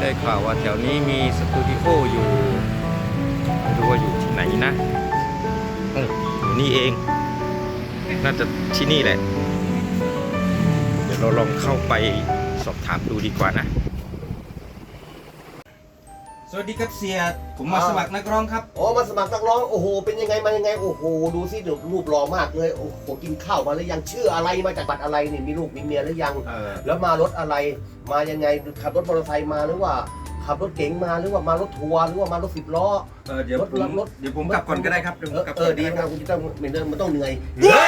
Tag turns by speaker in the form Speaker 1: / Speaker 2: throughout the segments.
Speaker 1: ได้ข่าวว่าแถวนี้มีสตูดิโออยู่ไม่รู้ว่าอยู่ที่ไหนนะอยู่นี่เองน่าจะที่นี่แหละเดี๋ยวเราลองเข้าไปสอบถามดูดีกว่านะสวัสดีครับเสียผมมาสมัครนักร้องครับ
Speaker 2: อ๋อมาสมัครนักร้องโอ้โหเป็นยังไงมายังไงโอ้โหดูสิรูปหล่อมากเลยโอ้โหกินข้าวมาหรือยังชื่ออะไรมาจากบัตรอะไรนี่มีลูกมีเมียหรือยังแล้วมารถอะไรมายังไงขับรถมอเตอร์ไซค์มาหรือว่าขับรถเก๋งมาหรือว่ามารถทัวร์หรือว่ามารถ10 ล้อ
Speaker 1: เดี๋ยวผมกลับก่อนก็ได้ครับ
Speaker 2: ดีนะคุณจะต้องมันต้องเหนื่อย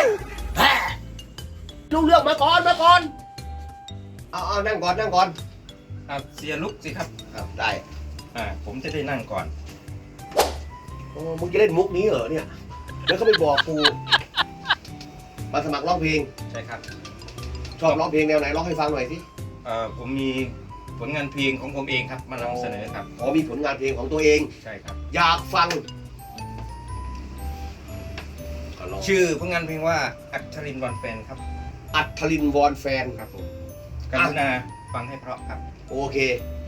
Speaker 2: ลูกเลือกมาก่อนเอานั่งก่อน
Speaker 1: เสียลุกสิครับ
Speaker 2: ได้
Speaker 1: ผมจะได้นั่งก่อน
Speaker 2: โอ้มึงจะเล่นมุกนี้เหรอเนี่ยแล้วก็ไปบอกกูมาสมัครร้องเพลง
Speaker 1: ใช่ครับ
Speaker 2: ชอบร้องเพลงแนวไหนร้องให้ฟังหน่อยสิ
Speaker 1: ผมมีผลงานเพลงของผมเองครับมานำเสนอครับ
Speaker 2: มีผลงานเพลงของตัวเอง
Speaker 1: ใช่ครับ
Speaker 2: อยากฟัง
Speaker 1: ชื่อผลงานเพลงว่าอัศรินวอนแฟนครับ
Speaker 2: อัศรินวอนแฟน
Speaker 1: ครับผมกรุณาฟังให้เพราะครับ
Speaker 2: โอเค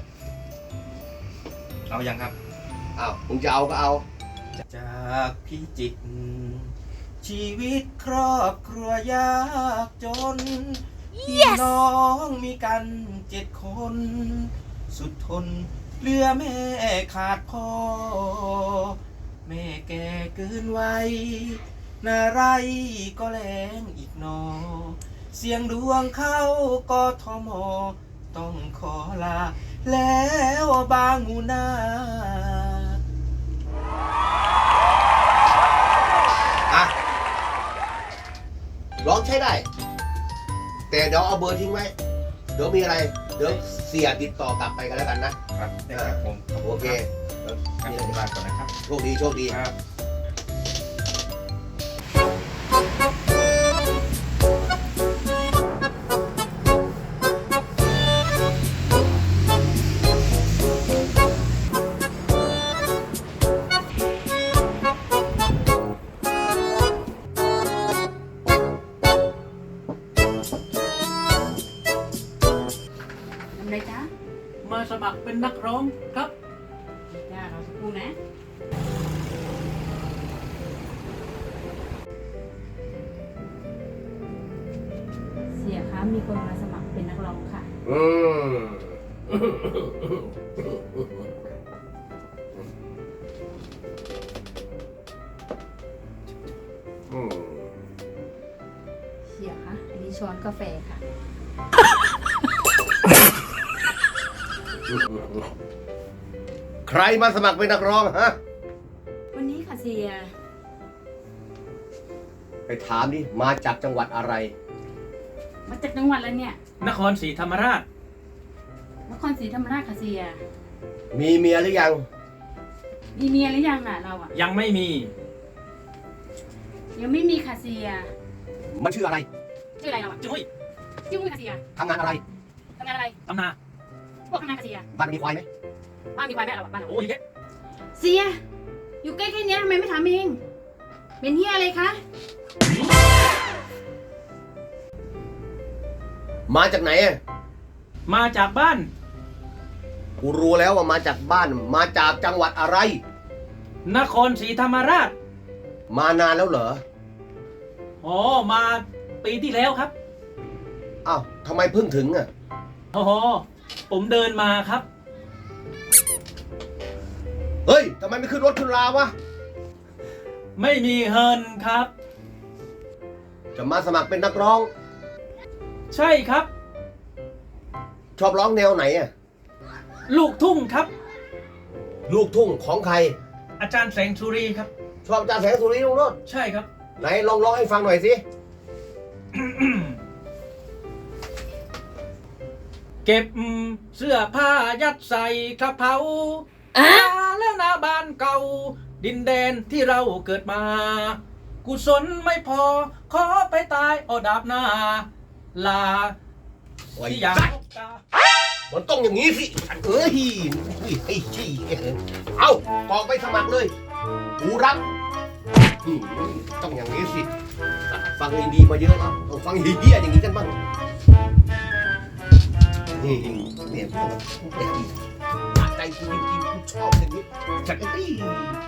Speaker 1: เอายังครับ
Speaker 2: มึงจะเอาก็เอา
Speaker 1: จากพิจิตรชีวิตครอบครัวยากจนพี่น้องมีกัน7 คนสุดทนเหลือแม่ขาดพ่อแม่แก่เกินวัยนาไรก็แรงอีกนอเสียงดวงเข้ากทมต้องขอลาแล้วบางหูนา
Speaker 2: ร้องใช้ได้แต่เดี๋ยวเอาเบอร์ทิ้งไว้เดี๋ยวมีอะไรเดี๋ยวเสียติดต่อกลับไปกันแล้วกัน
Speaker 1: นะครับได้ครับผม
Speaker 2: โอเค
Speaker 1: มีอะไรบ้างก่อนนะครับ
Speaker 2: โชคดี
Speaker 1: ครับ
Speaker 3: อะไรจ๊ะ
Speaker 4: มาสมัครเป็นนักร้องครับ
Speaker 3: จ้าเราสักครู่นะเสียคะมีคนมาสมัครเป็นนักร้องค่ะเสียคะอันนี้ช้อนกาแฟค่ะ
Speaker 2: ใครมาสมัครเป็นนักร้องฮะ
Speaker 3: วันนี้ค่ะเสีย
Speaker 2: ไปถามดิมาจากจังหวัดอะไร
Speaker 3: มาจากจังหวัดอะไรเนี่ย
Speaker 4: นครศรีธรรมราช
Speaker 3: ค่ะเสีย
Speaker 2: มีเมียหรือยัง
Speaker 3: มีเมียหรือยังอ่ะเราอ่ะ
Speaker 4: ยังไม่มี
Speaker 3: ค่ะเสีย
Speaker 2: มันชื่ออะไร
Speaker 3: เราอ่ะ
Speaker 4: จุ้ย
Speaker 3: ค่ะเสีย
Speaker 2: ทำงานอะไร
Speaker 3: ทำนาพวกทำงานค่ะเสีย
Speaker 2: บ้านมีควายไหม
Speaker 3: บ้านมีควายไหมเราบ้าน
Speaker 4: โอ้ย
Speaker 3: เสียอยู่ใกล้แค่นี้ทำไมไม่ถามเองเป็นเฮียอะไรคะ
Speaker 2: มาจากไหน
Speaker 4: มาจากบ้าน
Speaker 2: กูรู้แล้วว่ามาจากบ้านมาจากจังหวัดอะไร
Speaker 4: นครศรีธรรมราช
Speaker 2: มานานแล้วเหรอ
Speaker 4: มาปีที่แล้วครับ
Speaker 2: ทำไมเพิ่งถึง
Speaker 4: ผมเดินมาครับ
Speaker 2: เฮ้ยทำไมไม่ขึ้นรถขึ้นราวะ
Speaker 4: ไม่มีเงินครับ
Speaker 2: จะมาสมัครเป็นนักร้อง
Speaker 4: ใช่ครับ
Speaker 2: ชอบร้องแนวไหน
Speaker 4: ลูกทุ่งครับ
Speaker 2: ลูกทุ่งของใคร
Speaker 4: อาจารย์แสงสุรีครับ
Speaker 2: ชอบอาจารย์แสงสุรีลุงโนด
Speaker 4: ใช่ครับ
Speaker 2: ไหนลองร้องให้ฟังหน่อยสิ
Speaker 4: เก็บเสื้อผ้ายัดใส่กระเป๋าแล้วนาบ้านเก่าดินแดนที่เราเกิดมากุศลไม่พอขอไปตายดาบหน้าลาที่อยาก
Speaker 2: มันต้องอย่างนี้สิเอากองไปสมัครเลยกูรับต้องอย่างนี้สิฟังดีๆมาเยอะแล้วต้องฟังเฮี้ยอย่างนี้กันบ้างนี่เนี่ยใจจริงๆกูชอบอย่างนี้ฉัน